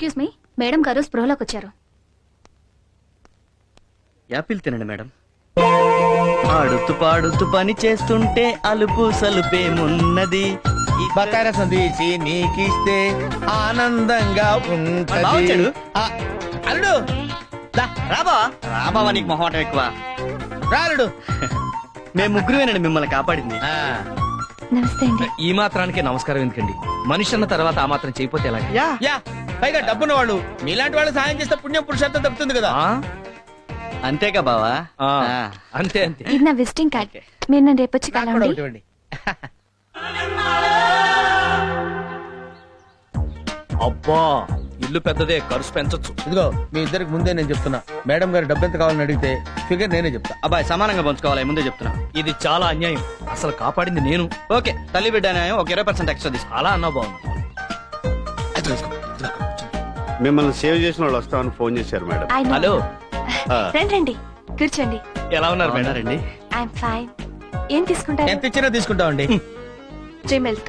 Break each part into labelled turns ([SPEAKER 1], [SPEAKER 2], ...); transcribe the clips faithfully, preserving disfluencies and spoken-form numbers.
[SPEAKER 1] Excuse me, madam గారు స్పృహలోకి వచ్చారు.
[SPEAKER 2] యాపిల్ తినండి మేడం. ఆడుతూ పాడుతూ పని చేస్తుంటే అలుపు సలుపేమున్నది.
[SPEAKER 3] బకార సందేశి నీకిస్తే ఆనందంగా ఉంటది.
[SPEAKER 2] బావొచ్చాడు.
[SPEAKER 3] ఆ, అల్లుడు దా,
[SPEAKER 2] రాబా రాబావా, నీకు మొహమాటం ఎక్కువ.
[SPEAKER 3] రా అల్లుడు.
[SPEAKER 2] మేము ముగ్గురువేనండి మిమ్మల్ని కాపాడింది.
[SPEAKER 3] ఆ,
[SPEAKER 1] నమస్తే అండి.
[SPEAKER 4] ఈ మాత్రానికి నమస్కారం ఎందుకండి? మనిషి అన్న తర్వాత ఆ మాత్రం చేయపోతే ఎలా?
[SPEAKER 2] యా
[SPEAKER 3] యా పైగా డబ్బున్న వాళ్ళు మీలాంటి వాళ్ళు సాయం చేస్తే పుణ్యం పురుషార్థం దక్కుతుంది కదా.
[SPEAKER 4] ఆ?
[SPEAKER 2] అంతేగా బావా.
[SPEAKER 4] ఆ,
[SPEAKER 2] ఆ.
[SPEAKER 4] అంతే అంతే.
[SPEAKER 1] ఇది నా విజిటింగ్ కార్డ్. మీరు నన్ను రేపు వచ్చి
[SPEAKER 3] నాకు కూడా
[SPEAKER 1] కలవండి.
[SPEAKER 3] ఒకటి ఇవ్వండి.
[SPEAKER 4] అబ్బా, ఇల్లు పెద్దదే, ఖర్చు పెంచొచ్చు.
[SPEAKER 3] ఇదిగో మీ ఇద్దరికి ముందే నేను చెప్తున్నా, మేడం గారు డబ్బు ఎంత కావాలని అడిగితే ఫిగర్ నేనే చెప్తా.
[SPEAKER 2] అబ్బాయి సమానంగా పంచుకోవాలి, ముందే చెప్తున్నా.
[SPEAKER 4] ఇది చాలా అన్యాయం. అసలు కాపాడింది నేను.
[SPEAKER 2] ఓకే, తల్లి బిడ్డ న్యాయం ఒక ఇరవై పర్సెంట్ ఎక్స్ట్రా తీసుకో.
[SPEAKER 4] అలా అన్నా బాగుంది.
[SPEAKER 5] మిమ్మల్ని సేవ్ చేసిన వాళ్ళు వస్తామని ఫోన్ చేశారు మేడం.
[SPEAKER 1] I know.
[SPEAKER 4] హలో,
[SPEAKER 5] ఆ,
[SPEAKER 1] రండి రండి, కూర్చోండి.
[SPEAKER 4] ఎలా ఉన్నారు మేడం?
[SPEAKER 2] రండి.
[SPEAKER 1] I'm fine. ఏం తీసుకుంటారు?
[SPEAKER 3] ఎంత ఇచ్చినా తీసుకుంటామండి.
[SPEAKER 1] Three milk.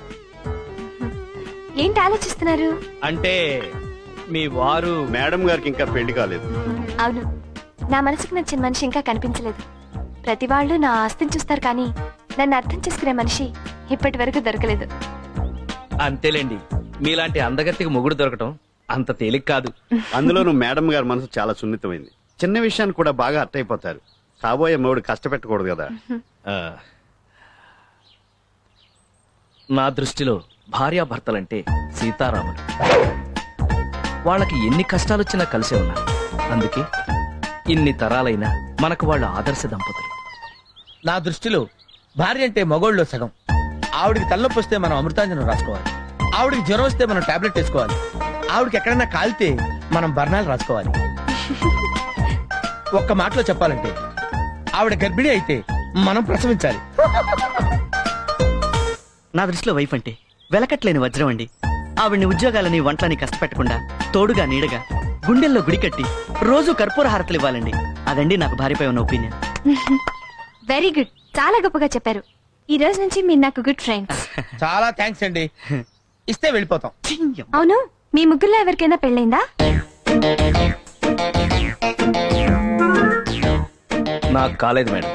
[SPEAKER 1] ఏంటి ఆలోచిస్తున్నారు?
[SPEAKER 4] అంటే మీ వారు
[SPEAKER 5] మేడం గారికి ఇంకా పెళ్లి కాలేదు.
[SPEAKER 1] అవును, నా మనసుకు నచ్చిన మనిషి ఇంకా కనిపించలేదు. ప్రతి వాళ్ళు నా ఆస్తిని చూస్తారు, కానీ నన్ను అర్థం చేసుకునే మనిషి ఇప్పటి వరకు దొరకలేదు.
[SPEAKER 4] అంతేలేండి, మీలాంటి అందగత్తికి మొగుడు దొరకటం అంత తేలిక కాదు.
[SPEAKER 5] అందులోనూ మేడం గారి మనసు చాలా సున్నితమైంది. చిన్న విషయాన్ని కూడా బాగా అర్థైపోతారు. కాబోయే మూడు కష్టపెట్టకూడదు కదా.
[SPEAKER 4] ఆ, నా దృష్టిలో భార్యాభర్తలంటే సీతారాములు. వాళ్ళకి ఎన్ని కష్టాలొచ్చినా కలిసే ఉన్నారు. అందుకే ఇన్ని తరాలైనా మనకు వాళ్ళ ఆదర్శ దంపతులు.
[SPEAKER 3] నా దృష్టిలో భార్య అంటే మగోళ్ళలో సగం. ఆవిడికి తలనొప్పి వస్తే మనం అమృతాంజనం రాసుకోవాలి. ఆవిడికి జ్వరం వస్తే మనం టాబ్లెట్ వేసుకోవాలి. ఆవిడకి ఎక్కడైనా కాలితే మనం బర్ణాలు రాసుకోవాలి. ఒక్క మాటలో చెప్పాలంటే ఆవిడ గర్భిణి అయితే మనం ప్రసవించాలి.
[SPEAKER 2] నా దృష్టిలో వైఫ్ అంటే వెలకట్లేని వజ్రం అండి. ఆవిడ్ని ఉద్యోగాలని వంటలని కష్టపెట్టకుండా తోడుగా నీడగా గుండెల్లో గుడి కట్టి రోజు కర్పూర హారతలు ఇవ్వాలండి. అదండి నాకు భార్యపై ఉన్న ఒపీనియన్.
[SPEAKER 1] వెరీ గుడ్, చాలా గొప్పగా చెప్పారు. ఈ రోజు నుంచి మీరు నాకు గుడ్ ఫ్రెండ్స్.
[SPEAKER 3] చాలా థ్యాంక్స్ అండి. ఇస్తే వెళ్ళిపోతాం.
[SPEAKER 1] అవును, మీ ముగ్గురులో ఎవరికైనా పెళ్ళైందా?
[SPEAKER 4] నాకు కాలేదు మేడం.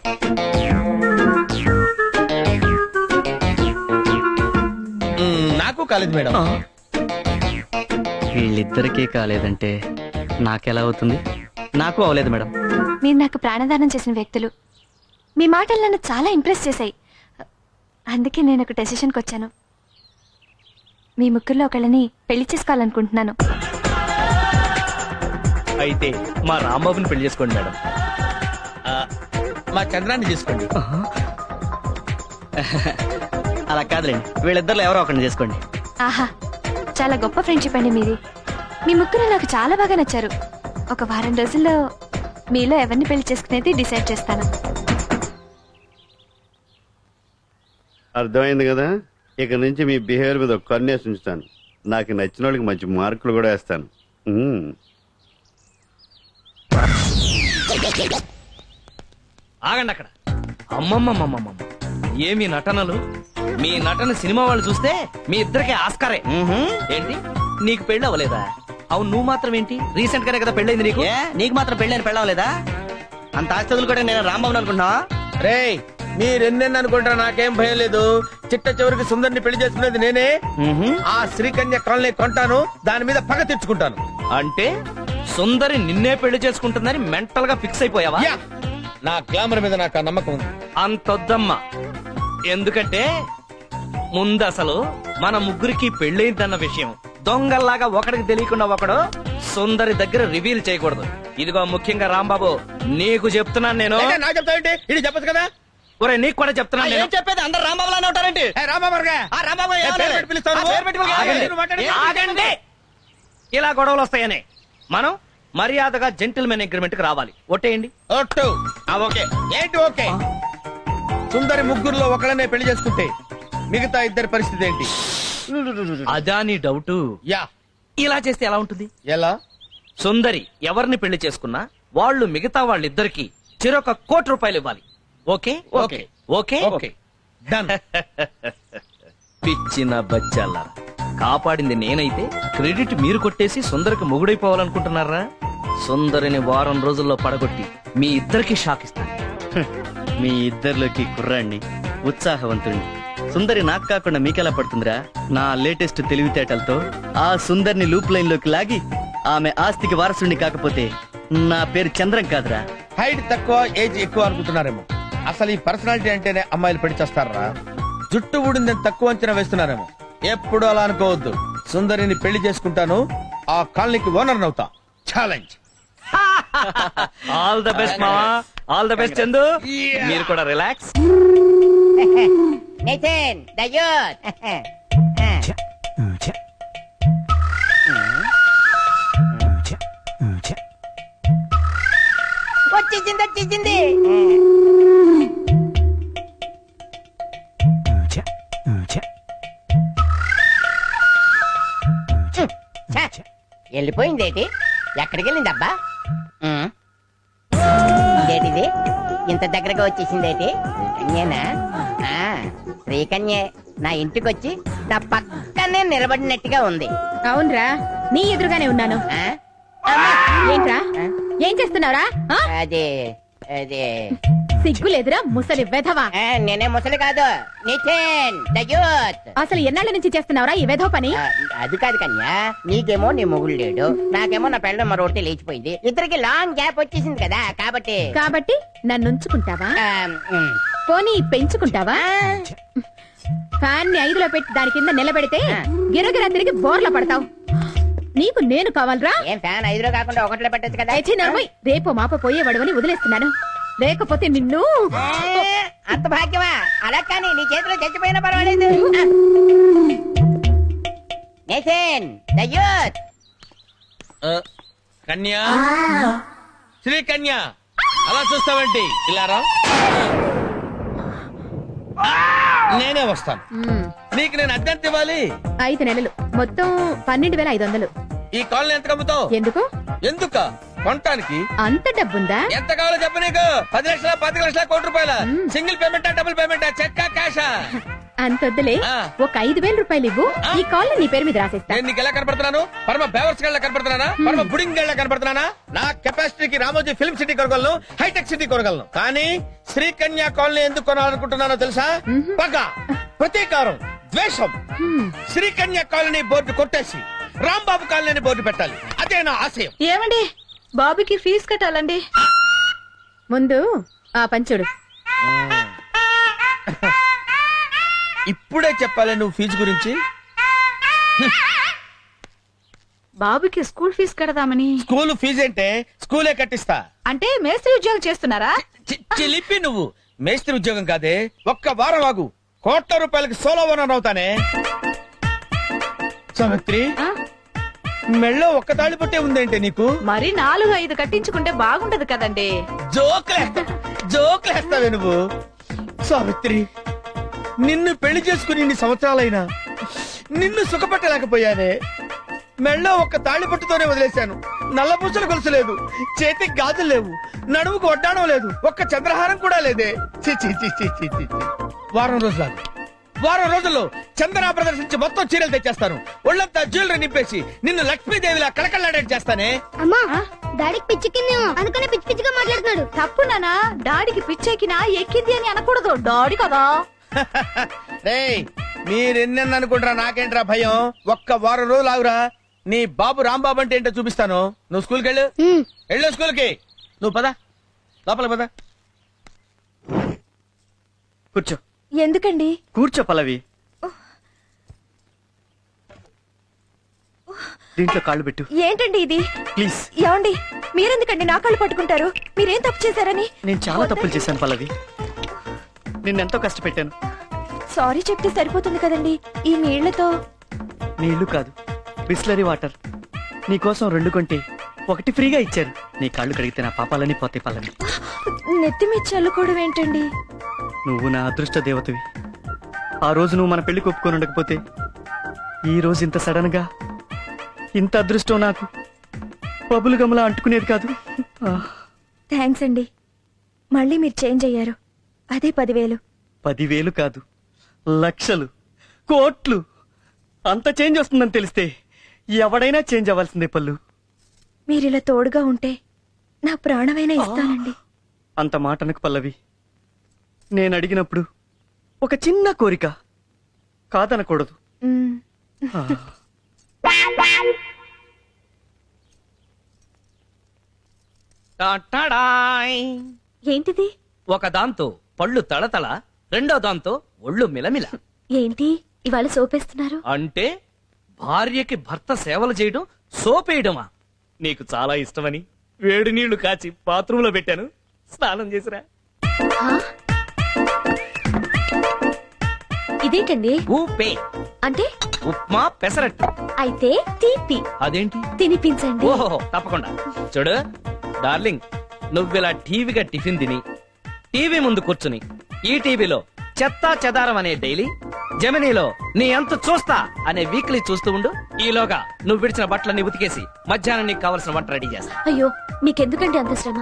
[SPEAKER 3] మ్మ్, నాకు కాలేదు మేడం.
[SPEAKER 2] వీళ్ళిద్దరికీ కాలేదంటే నాకెలా అవుతుంది? నాకు అవలేదు మేడం.
[SPEAKER 1] మీరు నాకు ప్రాణదానం చేసిన వ్యక్తులు. మీ మాటలు నన్ను చాలా ఇంప్రెస్ చేశాయి. అందుకే నేను ఒక డెసిషన్కి వచ్చాను. మీ ముగ్గురులో ఒకళ్ళని పెళ్లి చేసుకోవాలనుకుంటున్నాను.
[SPEAKER 4] అయితే మా రాంబాబుని పెళ్లి చేసుకోండి మేడం.
[SPEAKER 3] ఆ, మా చంద్రాన్ని తీసుకోండి.
[SPEAKER 2] అలా కాదులేండి, వీళ్ళిద్దరు ఎవరో ఒకరిని చేసుకోండి.
[SPEAKER 1] ఆహా, చాలా గొప్ప ఫ్రెండ్షిప్ అండి మీది. మీ ముగ్గురు నాకు చాలా బాగా నచ్చారు. ఒక వారం రోజుల్లో మీలో ఎవరిని పెళ్లి చేసుకునేది డిసైడ్ చేస్తాను.
[SPEAKER 5] అర్థమైంది కదా. ఇక నుంచి మీ బిహేవియర్ మీద ఒక కన్నేసి ఉంచుతాను. నాకు నచ్చిన వాళ్ళకి మంచి మార్కులు కూడా వేస్తాను. ఉమ్.
[SPEAKER 4] ఆగండి అక్కడ. అమ్మమ్మమ్మమ్మమ్మ, ఏమి నటనలు! మీ నటన సినిమా వాళ్ళు చూస్తే మీ ఇద్దరికి ఆస్కారే. ఏంటి, నీకు పెళ్ళి అవ్వలేదా? అవును, నువ్వు మాత్రం ఏంటి, రీసెంట్ గానే కదా పెళ్ళైంది నీకు.
[SPEAKER 2] ఏ నీకు మాత్రం పెళ్ళని పెళ్ళవలేదా? అంత ఆస్తులు కూడా నేను రాంబాబుని అనుకుంటున్నా.
[SPEAKER 3] రేయ్, మీరెన్నెన్ని అనుకుంటా నాకేం భయం లేదు. చిట్ట చివరికి సుందరిని పెళ్లి చేసుకునేది నేనే. ఆ శ్రీకన్య కాలనీ కొంటాను, దాని మీద పగ తెచ్చుకుంటాను.
[SPEAKER 4] అంటే సుందరి నిన్నే పెళ్లి చేసుకుంటుందని మెంటల్ గా ఫిక్స్ అయిపోయావా?
[SPEAKER 3] యా, నా గ్లామర్ మీద నాకు ఆ నమ్మకం ఉంది.
[SPEAKER 4] అంతొద్దమ్మా. ఎందుకంటే ముందు అసలు మన ముగ్గురికి పెళ్ళైందన్న విషయం దొంగల్లాగా ఒకడికి తెలియకుండా ఒకడు సుందరి దగ్గర రివీల్ చేయకూడదు. ఇదిగో ముఖ్యంగా రాంబాబు, నీకు చెప్తున్నాను నేను.
[SPEAKER 3] ఏంటి, నాకు చెప్తావేంటి? ఇది చెప్పచ్చు కదా.
[SPEAKER 4] ఒరే, నీకు కూడా చెప్తున్నాను నేను.
[SPEAKER 2] ఏం చెప్పేది, అందరు రాంబాబులానే ఉంటారేంటి?
[SPEAKER 3] ఏ, రామావర్గా.
[SPEAKER 2] ఆ రాంబాబు
[SPEAKER 3] ఏ, పేరు పెట్టి పిలుస్తావు నువ్వు?
[SPEAKER 2] ఆ, పేరు పెట్టి పిలుస్తావు.
[SPEAKER 3] ఆగండి.
[SPEAKER 2] ఆగండి.
[SPEAKER 3] నువ్వు మాట్లాడి-
[SPEAKER 4] ఆగండి. ఇలా గొడవలు వస్తాయని మనం మర్యాదగా జెంటిల్మెన్ అగ్రిమెంట్ కి రావాలి. ఒట్టేయండి.
[SPEAKER 3] ఒట్టు.
[SPEAKER 4] ఆ, ఓకే.
[SPEAKER 3] ఏంటి ఓకే? సుందరి ముగ్గురులో ఒకళ్ళనే పెళ్లి చేసుకుంటే మిగతా ఇద్దరి పరిస్థితి ఏంటి?
[SPEAKER 4] అదా నీ డౌట్?
[SPEAKER 3] యా.
[SPEAKER 4] ఇలా చేస్తే ఎలా ఉంటుంది?
[SPEAKER 3] ఎలా?
[SPEAKER 4] సుందరి ఎవరిని పెళ్లి చేసుకున్నా వాళ్ళు మిగతా వాళ్ళిద్దరికి చిరొక కోటి రూపాయలు ఇవ్వాలి. Okay
[SPEAKER 3] okay.
[SPEAKER 4] Okay
[SPEAKER 3] okay. Done.
[SPEAKER 4] పిచ్చిన బచ్చాల కాపాడింది నేనైతే క్రెడిట్ మీరు కొట్టేసి సుందరికి మొగుడైపోవాలనుకుంటున్నారా? సుందరిని వారం రోజుల్లో పడగొట్టి మీ ఇద్దరికి షాక్ ఇస్తాను.
[SPEAKER 2] మీ ఇద్దరిలోకి కుర్రాణ్ణి, ఉత్సాహవంతుణ్ణి. సుందరి నాకు కాకుండా మీకెలా పడుతుందిరా? నా లేటెస్ట్ తెలివితేటలతో ఆ సుందరిని లూప్ లైన్ లోకి లాగి ఆమె ఆస్తికి వారసుడిని కాకపోతే నా పేరు చంద్రం కాదురా.
[SPEAKER 3] హైట్ తక్కువ ఏజ్ ఎక్కువ అనుకుంటున్నారేమో. అసలు ఈ పర్సనాలిటీ అంటేనే అమ్మాయిలు పెళ్లి చేస్తారా? జుట్టు ఊడిందని తక్కువ అంచనా వేస్తున్నారేమో. ఎప్పుడు అలా అనుకోవద్దు. సుందరిని పెళ్లి చేసుకుంటాను, ఆ కాలనీకి ఓనర్ అవుతా. ఛాలెంజ్.
[SPEAKER 4] ఆల్ ద బెస్ట్ మావా, ఆల్ ద బెస్ట్ చందు. మీరు కూడా రిలాక్స్.
[SPEAKER 6] Nitin the youth. వచ్చేసింది వచ్చేసింది. ఛ, వెళ్ళిపోయిందేటి? ఎక్కడికి వెళ్ళింది అబ్బా? ఇదేటిది ఇంత దగ్గరగా వచ్చేసిందేటి? శ్రీకన్యేనా? ఆ, శ్రీకన్యే నా ఇంటికి వచ్చి నా పక్కనే నిలబడినట్టుగా ఉంది.
[SPEAKER 7] అవునరా, నీ ఎదురుగానే ఉన్నాను.
[SPEAKER 6] ఆ?
[SPEAKER 7] ఏంట్రా, ఏం చేస్తున్నావురా? ఆ?
[SPEAKER 6] అదే అదే
[SPEAKER 7] సిగ్గు లేదురా ముసలి వెధవా.
[SPEAKER 6] ఆ, నేనే ముసలి కాదు, నితిన్ ద యూత్.
[SPEAKER 7] అసలు ఎన్నాళ్ళ నుంచి చేస్తున్నావురా ఈ వెధవ పని?
[SPEAKER 6] ఆ, అది కాదు కన్యా, నీకేమో నీ మొగుడు లేడు, నాకేమో నా పెళ్ళ మరొకటి లేచిపోయింది. ఇద్దరికి లాంగ్ గ్యాప్ వచ్చేసింది కదా, కాబట్టి
[SPEAKER 7] కాబట్టి నన్ను ఉంచుకుంటావా?
[SPEAKER 6] ఆ, ఉమ్.
[SPEAKER 7] పోనీ పెంచుకుంటావా? ఫ్యాన్ ని ఐదులో పెట్టి దాని కింద నిలబెడితే గిరగిరా తిరిగి బోర్ల పడతావు. నీకు నేను కావాలరా?
[SPEAKER 6] ఏం ఫ్యాన్ ఐదులో కాకుండా ఒకటిలో పెట్టచ్చు కదా.
[SPEAKER 7] అయితే నవ్వయ్, రేపు మాప పోయేవాడవని వదిలేస్తున్నాను. లేకపోతే నిన్ను
[SPEAKER 6] ఆ, అంత భాగ్యమా? అలా కానీ నీ చేతిలో చచ్చిపోయినా పర్వాలేదు. ఆ. Nithin the youth.
[SPEAKER 3] ఆ, కన్యా, శ్రీ కన్యా, అలా చూస్తావేంటి? ఇలా రా. నేనే వస్తాను.
[SPEAKER 7] మ్మ్.
[SPEAKER 3] నీకు నేను అద్దెంత ఇవ్వాలి?
[SPEAKER 7] ఐదు నెలలు మొత్తం పన్నెండు వేల ఐదు వందలు.
[SPEAKER 3] ఈ కాలనీ ఎంత కమ్ముతావు?
[SPEAKER 7] ఎందుకు?
[SPEAKER 3] ఎందుక కొనటానికి?
[SPEAKER 7] అంత డబ్బుందా?
[SPEAKER 3] ఎంత కావాలో చెప్పు. నీకు పది లక్షల పది లక్షల కోటి రూపాయల సింగిల్ పేమెంటా డబుల్ పేమెంటా చెక్కా క్యాషా?
[SPEAKER 7] అంతొద్దులే,
[SPEAKER 3] ఆ.
[SPEAKER 7] ఒక ఐదు వేల రూపాయలు ఇవ్వు,
[SPEAKER 3] ఆ.
[SPEAKER 7] ఈ కాల్ నీ పేరు మీద రాసేస్తా.
[SPEAKER 3] నేను నీకు ఎలా కనపడుతున్నాను? పరమ బేవర్స్ గళ్ళ కనపడుతున్నానా? పరమ బుడింగ్ గళ్ళ కనపడుతున్నానా? నా కెపాసిటీకి రామోజీ ఫిల్మ్ సిటీ కొనగలను, హైటెక్ సిటీ కొనగలను. కానీ శ్రీకన్యా కాలనీ ఎందుకు కొనాలనుకుంటున్నానో తెలుసా? పగ, ప్రతీకారం, ద్వేషం. శ్రీకన్యా కాలనీ బోర్డు కొట్టేసి రాంబాబు కాలనీ బోర్డు పెట్టాలి. అదే నా ఆశయం.
[SPEAKER 1] ఏమండి, బాబుకి ఫీజు కట్టాలండి.
[SPEAKER 7] ముందు ఆ పంచుడు.
[SPEAKER 3] ఇప్పుడే చెప్పాలి నువ్వు ఫీజు గురించి?
[SPEAKER 1] బాబుకి స్కూల్ ఫీజు కడదామని.
[SPEAKER 3] స్కూల్ ఫీజు అంటే స్కూలే కట్టిస్తా.
[SPEAKER 1] అంటే మేస్త్రి ఉద్యోగం చేస్తున్నారా?
[SPEAKER 3] చి- చిలిపి నువ్వు. మేస్త్రి ఉద్యోగం కాదే, ఒక్క వారం ఆగు, కోట్ల రూపాయలకి సోలో ఓనర్ అవుతానే. సావిత్రి,
[SPEAKER 1] ఆ?
[SPEAKER 3] మెళ్ళో ఒక్క తాళి పట్టే ఉందేంటే నీకు?
[SPEAKER 1] మరి నాలుగు ఐదు కట్టించుకుంటే బాగుంటది కదండి.
[SPEAKER 3] జోకులేస్తా జోకులేస్తావే నువ్వు. సావిత్రి, నిన్ను పెళ్లి చేసుకుని ఇన్ని సంవత్సరాలైనా నిన్ను సుఖపెట్టలేకపోయానే. మెళ్ళో ఒక్క తాళి పట్టుతోనే వదిలేశాను. నల్లపూసలు గొలుసు లేదు, చేతికి గాజులు లేవు, నడుముకు వడ్డాణం లేదు, ఒక్క చంద్రహారం కూడా లేదే. చి చి చి చి చి చి. వారం రోజులు వారం రోజుల్లో చందన ప్రదర్శించి మొత్తం చీరలు తెచ్చేస్తాను. ఒళ్ళంతా జ్యువెలరీ నింపేసి నిన్ను లక్ష్మీదేవిలా కళకళలాడేట్ చేస్తానే.
[SPEAKER 8] అమ్మా, డాడీకి పిచ్చెక్కిందేమో, అందుకనే పిచ్చి పిచ్చిగా మాట్లాడుతున్నాడు.
[SPEAKER 1] తప్పు నానా, డాడీకి పిచ్చెక్కినా ఎక్కింది అని అనకూడదు. డాడీ కదా.
[SPEAKER 3] రేయ్, మీరెన్నెన్న అనుకుంటారా, నాకేంట్రా భయం. ఒక్క వారం రోజులు ఆగురా, నీ బాబు రాంబాబు అంటే ఏంటో చూపిస్తాను. నువ్వు స్కూల్కి వెళ్ళు, వెళ్ళు స్కూల్కి. నువ్వు పద, లోపల పద.
[SPEAKER 2] కూర్చో.
[SPEAKER 1] ఎందుకండి?
[SPEAKER 2] కూర్చో పల్లవి. దీంట్లో కాళ్ళు పెట్టు
[SPEAKER 1] ఏంటండి ఇది?
[SPEAKER 2] ప్లీజ్.
[SPEAKER 1] ఏమండి, మీరెందుకండి నా కాళ్ళు పట్టుకుంటారు? మీరేం తప్పు చేశారని?
[SPEAKER 2] నేను చాలా తప్పులు చేశాను పల్లవి, నిన్నెంతో కష్టపెట్టాను.
[SPEAKER 1] సారీ చెప్తే సరిపోతుంది కదండి. ఈ నీళ్లతో.
[SPEAKER 2] నీళ్లు కాదు, బిస్లరీ వాటర్. నీకోసం రెండు కొంటే ఒకటి ఫ్రీగా ఇచ్చారు. నీ కాళ్ళు కడిగితే నా పాపాలని పోతే పల్లవి.
[SPEAKER 1] నెత్తి మీద చల్లుకోవడం ఏంటండి?
[SPEAKER 2] నువ్వు నా అదృష్ట దేవతవి. ఆ రోజు నువ్వు మన పెళ్లి ఒప్పుకొని ఉండకపోతే ఈ రోజు ఇంత సడన్ గా ఇంత అదృష్టం నాకు బబులు గమలా అంటుకునేది కాదు. ఆ,
[SPEAKER 1] థ్యాంక్స్ అండి. మళ్ళీ మీరు చేంజ్ అయ్యారు. అదే పదివేలు.
[SPEAKER 2] పదివేలు కాదు, లక్షలు, కోట్లు. అంత చేంజ్ వస్తుందని తెలిస్తే ఎవడైనా చేంజ్ అవ్వాల్సిందే పల్లు.
[SPEAKER 1] మీరిలా తోడుగా ఉంటే నా ప్రాణమైనా ఇస్తానండి.
[SPEAKER 2] అంత మాటనకు పల్లవి. నేను అడిగినప్పుడు ఒక చిన్న కోరిక కాదనకూడదు.
[SPEAKER 1] మ్మ్.
[SPEAKER 2] ఆ.
[SPEAKER 4] టాటాడాయ్.
[SPEAKER 1] ఏంటిది?
[SPEAKER 4] ఒక దాంతో పళ్ళు తళతళ, రెండో దాంతో ఒళ్ళు మిలమిల.
[SPEAKER 1] ఏంటి ఇవాళ సోపేస్తున్నారు?
[SPEAKER 4] అంటే భార్యకి భర్త సేవలు చేయడం సోపేయడమా? నీకు చాలా ఇష్టమని వేడి నీళ్లు కాచి బాత్రూంలో పెట్టాను, స్నానం చేసిరా.
[SPEAKER 1] ఆ? ఇదేంటండి?
[SPEAKER 4] ఊపే
[SPEAKER 1] అంటే
[SPEAKER 4] ఉప్మా పెసరట్టు.
[SPEAKER 1] అయితే తీపి
[SPEAKER 4] అదేంటి?
[SPEAKER 1] తినిపించండి.
[SPEAKER 4] ఓహో తప్పకుండా. చూడు డార్లింగ్, నువ్విలా టీవీగా టిఫిన్ తిని టీవీ ముందు కూర్చుని ఈ టీవీలో చెత్తా చెదారం అనే డైలీ, జమినీలో నీ ఎంత చూస్తా అనే వీక్లీ చూస్తూ ఉండు. ఈలోగా నువ్వు విడిచిన బట్టలన్నీ ఉతికేసి మధ్యాహ్నం నీకు కావలసిన వంట రెడీ చేస్తా.
[SPEAKER 1] అయ్యో మీకెందుకండి అంత శ్రమ?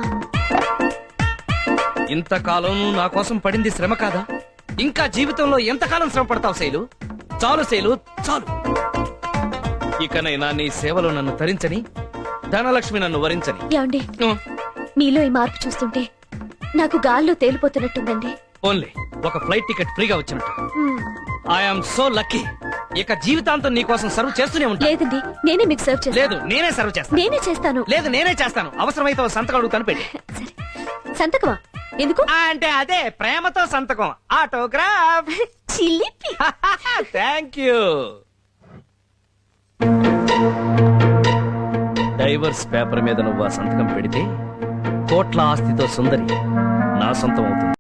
[SPEAKER 4] ఇంతకాలం నువ్వు నా కోసం పడింది శ్రమ కాదా? ఇంకా జీవితంలో ఎంతకాలం శ్రమ పడతావు శైలు? చాలు శైలు, చాలు. ఇకనైనా నీ సేవలో నన్ను తరించని, ధనలక్ష్మి నన్ను వరించని.
[SPEAKER 1] ఏమండి, మీలో ఈ మార్పు చూస్తుంటే నాకు గాల్లో తేలిపోతున్నట్టుందండి.
[SPEAKER 4] ఓన్లీ ఒక ఫ్లైట్ టికెట్ ఫ్రీగా వచ్చినట్టు.
[SPEAKER 1] మ్మ్.
[SPEAKER 4] I'm so lucky. ఇక జీవితాంతం నీ కోసం సర్వ్ చేస్తూనే ఉంటా.
[SPEAKER 1] లేదండి, నేనే మీకు సర్వ్ చేస్తాను.
[SPEAKER 4] లేదు నేనే సర్వ్ చేస్తాను.
[SPEAKER 1] నేనే చేస్తాను.
[SPEAKER 4] లేదు నేనే చేస్తాను. అవసరమైతే ఓ సంతకం అడుగుతాను, పెట్టి.
[SPEAKER 1] సరే, సంతకమా? ఎందుకు?
[SPEAKER 4] ఆ, అంటే అదే ప్రేమతో సంతకం, ఆటోగ్రాఫ్.
[SPEAKER 1] చిలిపి.
[SPEAKER 4] Thank you. డైవర్స్ పేపర్ మీద నువ్వు ఆ సంతకం పెడితే కోట్ల ఆస్తితో సుందరి నా సొంతం అవుతుంది.